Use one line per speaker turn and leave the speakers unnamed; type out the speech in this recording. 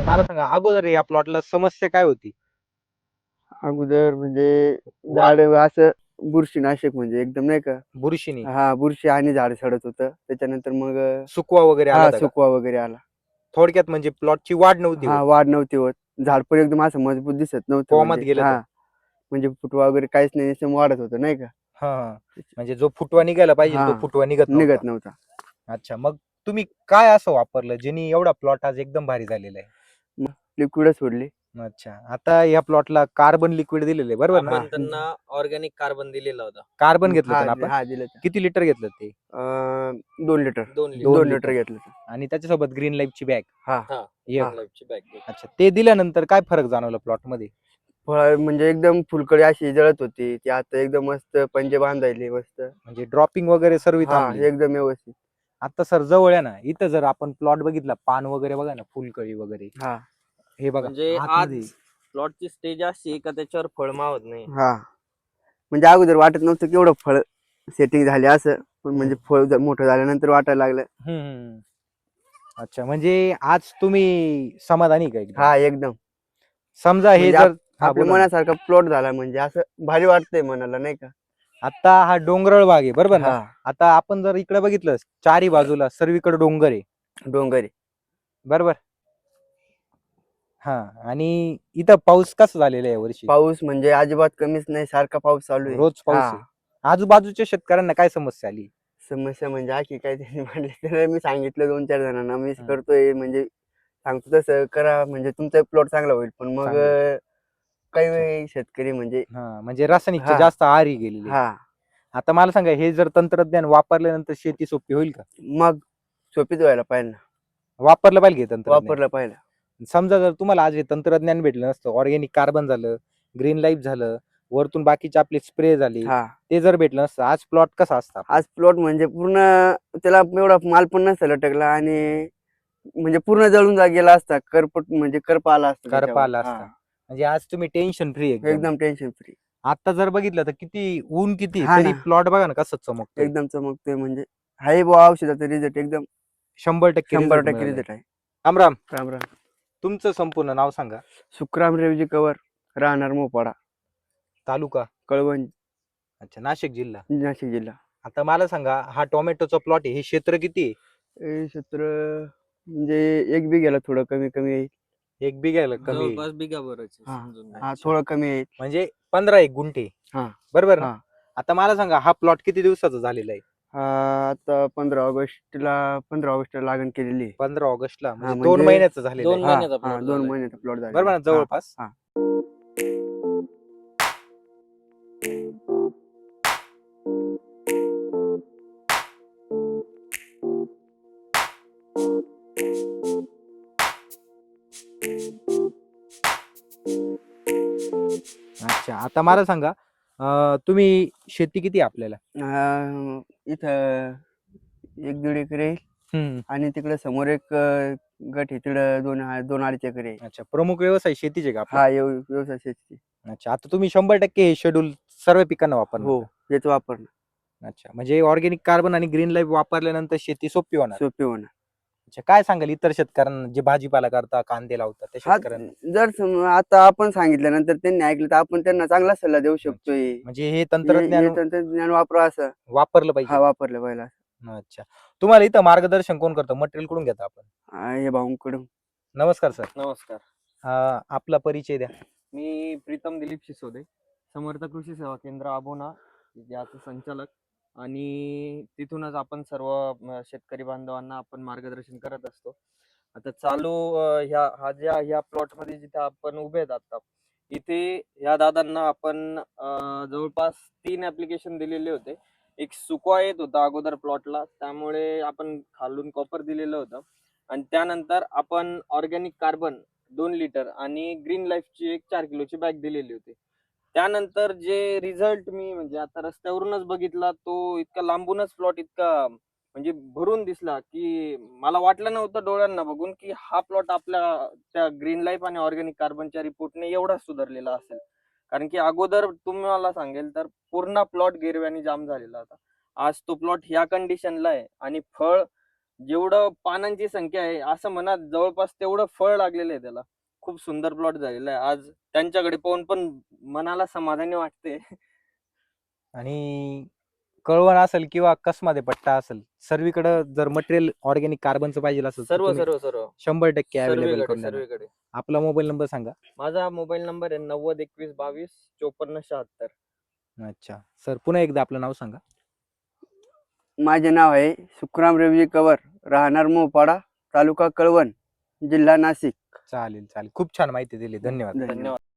मला सांगा अगोदर या प्लॉटला समस्या काय होती?
अगोदर म्हणजे झाड असं बुरशीनाशक म्हणजे एकदम नाही का.
बुरशीनी
हा, बुरशी आणि झाड सडत होतं. त्याच्यानंतर मग
सुकवा वगैरे आला
हा,
होता का?
सुकवा वगैरे आला.
थोडक्यात म्हणजे प्लॉटची वाढ नव्हती
हा,
होत.
वाढ नव्हती होत. झाड पण एकदम असं मजबूत दिसत नव्हतं
कोमात
म्हणजे.
गेलं
हा,
तर.
म्हणजे फुटवा वगैरे काहीच नाही, नुसतं वाढत होतं नाही का.
हां. म्हणजे जो फुटवा निघायला पाहिजे
हा,
तो फुटवा निघत नव्हता.
निघत नव्हता.
अच्छा, मग तुम्ही काय असं वापरलं ज्यानी एवढा प्लॉट आज एकदम भारी झालेला आहे?
मग लिक्विड सोडली.
अच्छा. आता या प्लॉटला कार्बन लिक्विड दिलेलं आहे बरोबर ना?
हा,
आपण त्यांना ऑर्गॅनिक कार्बन दिलेला होता.
कार्बन घेतलं
हा
होतं ना आपण?
हा, दिलं होतं.
किती लिटर घेतलं ते?
2 लिटर
2
2
2
लिटर.
Litre
litre.
घेतलं होतं.
आणि त्याच्यासोबत ग्रीन लाईफची बॅग.
हा,
हां,
एक.
हा.
लाईफची बॅग घेतली.
अच्छा. ते दिल्यानंतर काय फरक जाणवला प्लॉटमध्ये?
फळ म्हणजे एकदम फुलकळी अशी जळत होती ती, आता एकदम मस्त पंजे बांधायले मस्त.
म्हणजे ड्रॉपिंग वगैरे सर्व
हा,
थांबली.
एकदम व्यवस्थित.
आता सर जवळ आहे ना, इथं जर आपण प्लॉट बघितला, पान वगैरे बघा ना, फुलकळी वगैरे.
हा
हे बघा
म्हणजे
आतमध्ये.
आज प्लॉटची स्टेज अशी आहे का त्याच्यावर फळ मावत नाही.
हा, म्हणजे अगोदर वाटत नव्हतं की एवढं फळ सेटिंग झाले असं, पण म्हणजे फळ मोठं झाल्यानंतर वाटायला लागलं.
हम्म. अच्छा, म्हणजे आज तुम्ही समाधानी आहे का एकदम?
हा, एकदम.
समजा हे
म्हणजे
जर हा
आपल्या
बोला ना.
मनासारखा प्लॉट झाला म्हणजे असं भारी वाटतंय मनाला नाही का.
आता हा डोंगराळ भाग आहे बरोबर ना?
हा,
आता आपण जर इकडे बघितलं, चारी बाजूला सर्वीकडे डोंगर आहे
डोंगरी.
बरोबर. हा, आणि इथं पाऊस कसा झालेला आहे यावर्षी?
पाऊस म्हणजे अजिबात कमीच नाही, सारखा पाऊस चालू आहे.
रोज पाऊस
हा,
आहे. आजूबाजूच्या शेतकऱ्यांना काय समस्या आली?
समस्या म्हणजे अशी काय तरी म्हणजे त्याला मी सांगितलं 2-4 जणांना मी
हम्म.
करतोय म्हणजे सांगतो तसं करा म्हणजे तुमचा प्लॉट चांगला होईल. पण मग
चांगलं.
काही
अच्छा.
वेळी शेतकरी म्हणजे
हा, म्हणजे रासायनिकच्या
हा
जास्त आहारी गेलेले.
हा,
आता मला सांगा, हे जर तंत्रज्ञान वापरल्यानंतर शेती सोपी होईल का?
मग सोपीच व्हायला पाहिजे ना.
वापरलं पाहिजे हे तंत्रज्ञान.
वापरलं पाहिजे.
समजा जर तुम्हाला आज हे तंत्रज्ञान भेटलं नसतं, ऑर्गॅनिक कार्बन झालं, ग्रीन लाईफ झालं, वरतून बाकीचे आपले स्प्रे झाले,
हा,
ते जर भेटलं नसतं, आज प्लॉट कसा असता आपला?
आज प्लॉट म्हणजे पूर्ण त्याला एवढा माल पण नसता लटकला आणि म्हणजे पूर्ण जळून गेला असता. करपट म्हणजे करपा आला असता
करपा
त्याच्यावर.
आला
हा,
असता. म्हणजे आज तुम्ही टेन्शन फ्री एकदम.
एकदम टेन्शन फ्री.
आता जर बघितलं तर किती ऊन किती
हा
तरी
ना,
प्लॉट बघा ना कसं चमकतोय.
एकदम चमकतोय म्हणजे हाय बुवा औषधाचा रिझल्ट एकदम
100% रिझल्ट
100%
मिळालाय.
रिझल्ट आहे.
राम राम.
राम राम.
तुमचं संपूर्ण नाव सांगा.
सुखराम रेवजी कवर, राहणार मोपाडा,
तालुका.
कळवण,
अच्छा, नाशिक जिल्हा.
नाशिक जिल्हा.
आता मला सांगा, हा टोमॅटोचा प्लॉट आहे, हे क्षेत्र किती आहे?
हे क्षेत्र म्हणजे 1 बिघ्याला थोडं कमी कमी येईल.
1 बिघायला कमी येईल.
जवळपास बिगाभरच आहे,
हा
समजून घ्या.
हा,
अच्छा.
थोडं कमी येईल.
म्हणजे 15 गुंठे.
हा
बरोबर ना?
हा.
आता मला सांगा, हा प्लॉट किती दिवसाचा झालेला आहे?
आता 15 ऑगस्टला लागण केलेली आहे.
15 ऑगस्टला,
हा,
म्हणजे 2
म्हणजे
महिन्याचा झालेला
2
आहे.
हा
महिन्याचा
हा,
प्लॉट
2
झालाय.
महिन्याचा प्लॉट झालेला
बरोबर ना,
आहे.
जवळपास.
हा.
अच्छा, आता मला सांगा, तुम्ही शेती किती आहे आपल्याला?
इथं 1-1.5 एकर आहे
हम्म.
आणि तिकडे समोर एक गट आहे तिकडं 2-2.5 एकर आहे.
अच्छा, प्रमुख व्यवसाय शेतीच आहे का आपला?
हा, व्यवसाय शेती.
अच्छा, आता तुम्ही 100% हे शेड्यूल सर्व पिकांना वापरणार
हो,
का?
हेच वापरणं
अच्छा, म्हणजे ऑर्गॅनिक कार्बन आणि ग्रीन लाईफ वापरल्यानंतर शेती सोपी होणार.
सोपे होणार.
अच्छा, काय सांगाल इतर शेतकऱ्यांना जे भाजीपाला करता, कांदे लावतात त्या
हा,
शेतकऱ्यांना?
जर आता आपण सांगितल्यानंतर त्यांनी ऐकलं तर आपण त्यांना चांगला सल्ला देऊ
अच्छा,
शकतोय.
म्हणजे हे
हे
तंत्रज्ञान
तंत्रज्ञान वापरा असं.
वापरलं
हा,
पाहिजे.
वापरलं पाहिजे.
अच्छा, तुम्हाला इथं मार्गदर्शन कोण करतं? मटेरियल कुठून घेता आपण?
हे भाऊंकडून.
नमस्कार सर.
नमस्कार.
आपला परिचय द्या.
मी प्रीतम दिलीप शिसोदे, समर्थ कृषी सेवा केंद्र आबोना याचे संचालक, आणि तिथूनच आपण सर्व शेतकरी बांधवांना आपण मार्गदर्शन करत असतो. आता चालू ह्या प्लॉटमध्ये जिथे आपण उभे आहेत आता, इथे ह्या दादांना आपण जवळपास 3 ऍप्लिकेशन दिलेले होते. एक सुकवा येत होता अगोदर प्लॉटला, त्यामुळे आपण खालून कॉपर दिलेलं होतं, आणि त्यानंतर आपण ऑर्गॅनिक कार्बन 2 लिटर आणि ग्रीन लाईफची एक 4 किलोची बॅग दिलेली होती. त्यानंतर जे रिझल्ट मी म्हणजे आता रस्त्यावरूनच बघितला, तो इतका लांबूनच प्लॉट इतका म्हणजे भरून दिसला, की मला वाटलं नव्हतं डोळ्यांना बघून की हा प्लॉट आपल्या त्या ग्रीन लाईफ आणि ऑर्गॅनिक कार्बनच्या रिपोर्टने एवढा सुधारलेला असेल. कारण की अगोदर तुम्हाला सांगेल तर पूर्ण प्लॉट गिरव्याने जाम झालेला होता. आज तो प्लॉट ह्या कंडिशनला आहे आणि फळ जेवढं पानांची संख्या आहे असं म्हणा जवळपास तेवढं फळ लागलेलं आहे त्याला. खूप सुंदर प्लॉट झालेला आहे. आज त्यांच्याकडे पाहून पण मनाला समाधानी वाटते.
आणि कळवण असेल किंवा कसमध्ये पट्टा असेल, सर्वीकडे जर मटेरियल ऑर्गॅनिक कार्बनचं पाहिजे असेल तर
सर्व
तुम्ही
सर्व सर्व
100% अवेलेबल
सर्वीकडे
करून देणार.
सर्वीकडे.
आपला मोबाईल नंबर सांगा.
माझा मोबाईल नंबर आहे 90 21 22 54 76.
अच्छा सर, पुन्हा एकदा आपलं नाव सांगा.
माझे नाव आहे सुखराम रेवजी कवर, राहणार मोपाडा, तालुका कळवण, जिल्हा नाशिक.
चालेल चालेल, खूप छान माहिती दिली. धन्यवाद.
धन्यवाद.
धन्यवाद.